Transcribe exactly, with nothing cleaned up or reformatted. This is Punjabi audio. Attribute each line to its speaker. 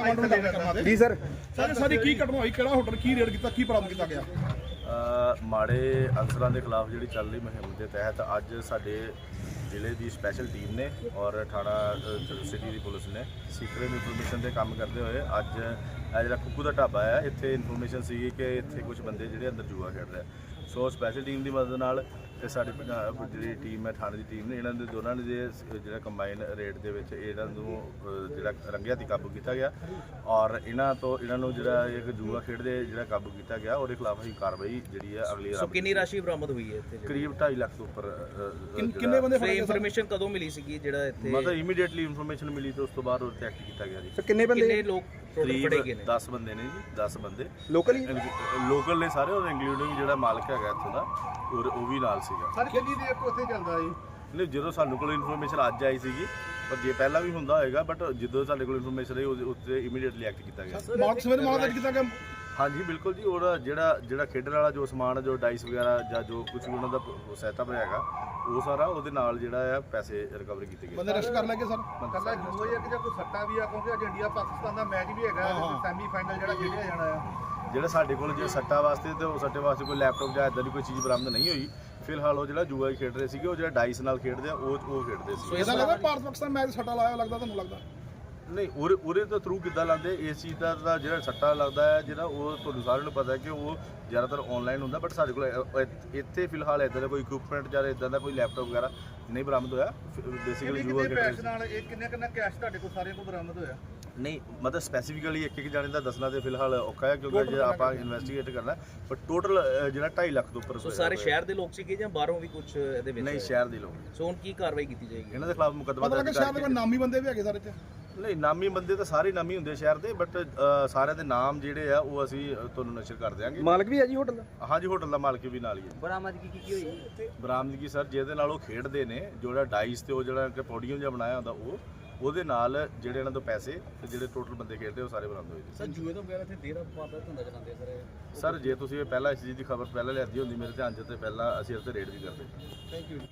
Speaker 1: ਜੀ ਸਰ
Speaker 2: ਸਰ ਸਾਰੀ ਕੀ ਘਟਨਾ ਹੋਈ, ਕਿਹੜਾ ਹੋਟਲ ਕੀ ਰੇਡ ਕੀਤਾ, ਕੀ ਬਰਾਮਦ ਕੀਤਾ ਗਿਆ?
Speaker 3: ਮਾੜੇ ਅਨਸਰਾਂ ਦੇ ਖਿਲਾਫ ਜਿਹੜੀ ਚੱਲ ਰਹੀ ਮੁਹਿੰਮ ਦੇ ਤਹਿਤ ਅੱਜ ਸਾਡੇ ਜ਼ਿਲ੍ਹੇ ਦੀ ਸਪੈਸ਼ਲ ਟੀਮ ਨੇ ਔਰ ਥਾਣਾ ਸਿਟੀ ਦੀ ਪੁਲਿਸ ਨੇ ਸੀਕ੍ਰੇਟ ਇਨਫੋਰਮੇਸ਼ਨ ਦੇ ਕੰਮ ਕਰਦੇ ਹੋਏ ਅੱਜ ਇਹ ਜਿਹੜਾ ਕੁੱਕੂ ਦਾ ਢਾਬਾ ਹੈ ਇੱਥੇ ਇਨਫੋਰਮੇਸ਼ਨ ਸੀਗੀ ਕਿ ਇੱਥੇ ਕੁਝ ਬੰਦੇ ਜਿਹੜੇ ਅੰਦਰ ਜੂਆ ਖੇਡ ਰਹੇ। ਸੋ ਸਪੈਸ਼ਲ ਟੀਮ ਦੀ ਮਦਦ ਨਾਲ ਤੇ ਸਾਡੀ ਜਿਹੜੀ ਟੀਮ ਹੈ ਥਾਣੇ ਦੀ ਟੀਮ ਨੇ ਇਹਨਾਂ ਦੇ ਦੋਨਾਂ ਨੇ ਜੇ ਜਿਹੜਾ ਕੰਬਾਈਨ ਰੇਟ ਦੇ ਵਿੱਚ ਇਹਨਾਂ ਨੂੰ ਜਿਹੜਾ ਰੰਗਿਆ ਹੱਥੀਂ ਕਾਬੂ ਕੀਤਾ ਗਿਆ ਔਰ ਇਹਨਾਂ ਤੋਂ ਇਹਨਾਂ ਨੂੰ ਜਿਹੜਾ ਇੱਕ ਜੂਆ ਖੇਡਦੇ ਜਿਹੜਾ ਕਾਬੂ ਕੀਤਾ ਗਿਆ ਉਹਦੇ ਖਿਲਾਫ ਅਸੀਂ ਕਾਰਵਾਈ ਜਿਹੜੀ ਹੈ ਅਗਲੀ
Speaker 4: ਸੋ ਕਿੰਨੀ ਰਾਸ਼ੀ ਬਰਾਮਦ ਹੋਈ ਹੈ ਇੱਥੇ?
Speaker 3: ਕਰੀਬ ਢਾਈ ਲੱਖ ਤੋਂ ਉੱਪਰ।
Speaker 2: ਕਿੰਨੇ ਬੰਦੇ ਫੜੇ?
Speaker 4: ਇਨਫੋਰਮੇਸ਼ਨ ਕਦੋਂ ਮਿਲੀ ਸੀਗੀ ਜਿਹੜਾ ਇੱਥੇ?
Speaker 3: ਮਤਲਬ ਇਮੀਡੀਏਟਲੀ ਇਨਫੋਰਮੇਸ਼ਨ ਮਿਲੀ ਤੇ ਉਸ ਤੋਂ ਬਾਅਦ ਉਹ ਤੇ ਐਕਟ ਕੀਤਾ ਗਿਆ ਜੀ।
Speaker 1: ਸਰ ਕਿੰਨੇ ਬੰਦੇ?
Speaker 4: ਕਿੰਨੇ ਲੋਕ ਟੋਟਲ ਫੜੇ ਗਏ ਨੇ?
Speaker 3: ਦਸ ਬੰਦੇ ਨੇ ਜੀ, ਦਸ ਬੰਦੇ
Speaker 1: ਲੋਕਲ ਹੀ
Speaker 3: ਲੋਕਲ ਨੇ ਸਾਰੇ, ਉਹ ਇੰਕਲੂਡਿੰਗ ਜਿਹੜਾ ਮਾਲਕ ਹੈਗਾ ਇੱਥੋਂ ਦਾ ਔਰ ਉਹ ਵੀ ਨਾਲ ਸੀਗਾ।
Speaker 2: ਸਰ ਕਿੰਨੀ ਦੇਰ ਤੋਂ ਉੱਥੇ ਚੱਲਦਾ ਜੀ?
Speaker 3: ਨਹੀਂ, ਜਦੋਂ ਸਾਨੂੰ ਕੋਲ ਇਨਫੋਰਮੇਸ਼ਨ ਅੱਜ ਆਈ ਸੀਗੀ, ਪਰ ਜੇ ਪਹਿਲਾਂ ਵੀ ਹੁੰਦਾ ਹੋਏਗਾ, ਬਟ ਜਦੋਂ ਸਾਡੇ ਕੋਲ ਇਨਫੋਰਮੇਸ਼ਨ ਆਈ ਉਹਦੇ ਉੱਤੇ ਇਮੀਡੀਏਟਲੀ ਐਕਟ ਕੀਤਾ ਗਿਆ।
Speaker 2: ਮਾਲਕ ਸਵੇਰੇ ਮਾਲਕ ਕੀਤਾ ਗਿਆ?
Speaker 3: ਹਾਂਜੀ ਬਿਲਕੁਲ ਜੀ। ਉਹਦਾ ਜਿਹੜਾ ਜਿਹੜਾ ਖੇਡਣ ਵਾਲਾ ਜੋ ਸਮਾਨ, ਜੋ ਡਾਈਸ ਵਗੈਰਾ ਜਾਂ ਜੋ ਕੁਝ ਵੀ ਉਹਨਾਂ ਦਾ ਸੈਟਅਪ ਹੈਗਾ, ਉਹ ਸਾਰਾ ਉਹਦੇ ਨਾਲ ਜਿਹੜਾ ਆ ਪੈਸੇ ਰਿਕਵਰ ਕੀਤੇ ਗਏ।
Speaker 2: ਬੰਦੇ ਅਰੈਸਟ ਕਰ ਲਏ ਸਰ?
Speaker 5: ਕੱਲਾ ਜੂਆ ਹੀ ਹੈ ਕਿ ਜਾਂ ਕੋਈ ਸੱਟਾ ਵੀ ਆ, ਕਿਉਂਕਿ ਅੱਜ ਇੰਡੀਆ ਪਾਕਿਸਤਾਨ ਦਾ ਮੈਚ ਵੀ ਹੈਗਾ, ਸੈਮੀ ਫਾਈਨਲ ਜਿਹੜਾ ਖੇਡਿਆ ਜਾਣਾ ਆ।
Speaker 3: ਜਿਹੜਾ ਸਾਡੇ ਕੋਲ ਜੇ ਸੱਟਾ ਵਾਸਤੇ ਤੇ ਉਹ ਸੱਟੇ ਵਾਸਤੇ ਕੋਈ ਲੈਪਟਾਪ ਜਾਂ ਇਦਾਂ ਦੀ ਕੋਈ ਚੀਜ਼ ਬਰਾਮਦ ਨਹੀਂ ਹੋਈ ਫਿਲਹਾਲ। ਉਹ ਜਿਹੜਾ ਜੂਆ ਹੀ ਖੇਡ ਰਹੇ ਸੀਗੇ, ਉਹ ਜਿਹੜਾ ਡਾਈਸ ਨਾਲ ਖੇਡਦੇ ਆ ਉਹ ਉਹ ਖੇਡਦੇ ਸੀ।
Speaker 2: ਇਹਦਾ ਲੱਗਦਾ ਭਾਰਤ ਪਾਕਿਸਤਾਨ ਮੈਚ ਸੱਟਾ ਲਾਇਆ ਲੱਗਦਾ ਤੁਹਾਨੂੰ ਲੱਗਦਾ?
Speaker 3: ਨਹੀਂ, ਉਹਦੇ ਉਹਦੇ ਤੋਂ ਥਰੂ ਕਿੱਦਾਂ ਲਾਉਂਦੇ ਇਸ ਚੀਜ਼ ਦਾ ਤਾਂ ਜਿਹੜਾ ਸੱਟਾ ਲੱਗਦਾ ਹੈ ਜਿਹੜਾ ਉਹ ਤੁਹਾਨੂੰ ਸਾਰਿਆਂ ਨੂੰ ਪਤਾ ਹੈ ਕਿ ਉਹ ਜ਼ਿਆਦਾਤਰ ਆਨਲਾਈਨ ਹੁੰਦਾ, ਬਟ ਸਾਡੇ ਕੋਲ ਇੱਥੇ ਫਿਲਹਾਲ ਇਦਾਂ ਦਾ ਕੋਈ ਇਕਵਿਪਮੈਂਟ ਜਾਂ ਇਦਾਂ ਦਾ ਕੋਈ ਲੈਪਟਾਪ ਵਗੈਰਾ ਨਹੀਂ ਬਰਾਮਦ ਹੋਇਆ। ਬੇਸਿਕਲੀ ਜੂਆ
Speaker 5: ਪੈਸੇ ਨਾਲ ਇਹ ਕਿੰਨੇ ਕਿੰਨਾ ਕੈਸ਼ ਤੁਹਾਡੇ ਕੋਲ ਸਾਰਿਆਂ ਕੋਲ ਬਰਾਮਦ ਹੋਇਆ?
Speaker 3: ਨਹੀਂ, ਮਤਲਬ ਸਪੈਸੀਫਿਕਲੀ ਇੱਕ ਇੱਕ ਜਾਣੇ ਦਾ ਦੱਸਣਾ ਤੇ ਫਿਲਹਾਲ ਔਖਾ ਹੈ ਕਿਉਂਕਿ ਜੇ ਆਪਾਂ ਇਨਵੈਸਟੀਗੇਟ ਕਰਨਾ, ਪਰ ਟੋਟਲ ਜਿਹੜਾ ਢਾਈ ਲੱਖ ਤੋਂ ਉੱਪਰ।
Speaker 4: ਸੋ ਸਾਰੇ ਸ਼ਹਿਰ ਦੇ ਲੋਕ ਸੀਗੇ ਜਾਂ ਬਾਹਰੋਂ ਵੀ ਕੁਝ ਇਹਦੇ ਵਿੱਚ?
Speaker 3: ਨਹੀਂ, ਸ਼ਹਿਰ ਦੇ ਲੋਕ।
Speaker 4: ਸੋ ਹੁਣ ਕੀ ਕਾਰਵਾਈ ਕੀਤੀ ਜਾਏਗੀ?
Speaker 3: ਇਹਨਾਂ ਦੇ ਖਿਲਾਫ ਮੁਕੱਦਮਾ
Speaker 2: ਪਤਾ ਲੱਗਾ ਸ਼ਹਿਰ ਦੇ ਕੋਈ ਨਾਮੀ ਬੰਦੇ ਵੀ ਹੈਗੇ ਸਾਰੇ ਇੱਥੇ?
Speaker 3: ਨਹੀਂ, ਨਾਮੀ ਬੰਦੇ ਤਾਂ ਸਾਰੇ ਨਾਮੀ ਹੁੰਦੇ ਸ਼ਹਿਰ ਦੇ, ਬਟ ਸਾਰਿਆਂ ਦੇ ਨਾਮ ਜਿਹੜੇ ਆ ਉਹ ਅਸੀਂ ਤੁਹਾਨੂੰ ਨਸ਼ਰ ਕਰ ਦਿਆਂਗੇ।
Speaker 1: ਮਾਲਕ ਵੀ ਹੈ ਜੀ ਹੋਟਲ ਦਾ?
Speaker 3: ਹਾਂਜੀ, ਹੋਟਲ ਦਾ ਮਾਲਕ ਵੀ ਨਾਲ ਹੀ ਹੈ।
Speaker 4: ਬਰਾਮਦਗੀ ਕੀ ਕੀ ਹੋਈ?
Speaker 3: ਬਰਾਮਦਗੀ ਸਰ ਜਿਹਦੇ ਨਾਲ ਉਹ ਖੇਡਦੇ ਨੇ, ਜਿਹੜਾ ਡਾਈਸ ਤੇ ਉਹ ਜਿਹੜਾ ਪੋਡੀਅਮ ਜਿਹਾ ਬਣਾਇਆ ਹੁੰਦਾ ਉਹ ਉਹਦੇ ਨਾਲ ਜਿਹੜੇ ਇਹਨਾਂ ਤੋਂ ਪੈਸੇ ਤੇ ਜਿਹੜੇ ਟੋਟਲ ਬੰਦੇ ਖੇਡਦੇ ਉਹ ਸਾਰੇ ਬਰਾਮਦ ਹੋਏ।
Speaker 4: ਸਰ ਜੂਏ ਤੋਂ ਬਗੈਰ ਇੱਥੇ ਦੇਰ ਵਪਾਰ ਦਾ ਧੰਦਾ ਚਲਾਉਂਦੇ ਸਰ?
Speaker 3: ਸਰ ਜੇ ਤੁਸੀਂ ਇਹ ਪਹਿਲਾਂ ਇਸ ਚੀਜ਼ ਦੀ ਖਬਰ ਪਹਿਲਾਂ ਲਿਆਦੀ ਹੁੰਦੀ ਮੇਰੇ ਧਿਆਨ 'ਚ ਤੇ ਪਹਿਲਾਂ ਅਸੀਂ ਇਸ ਤੇ ਰੇਡ ਵੀ ਕਰਦੇ।
Speaker 2: Thank you.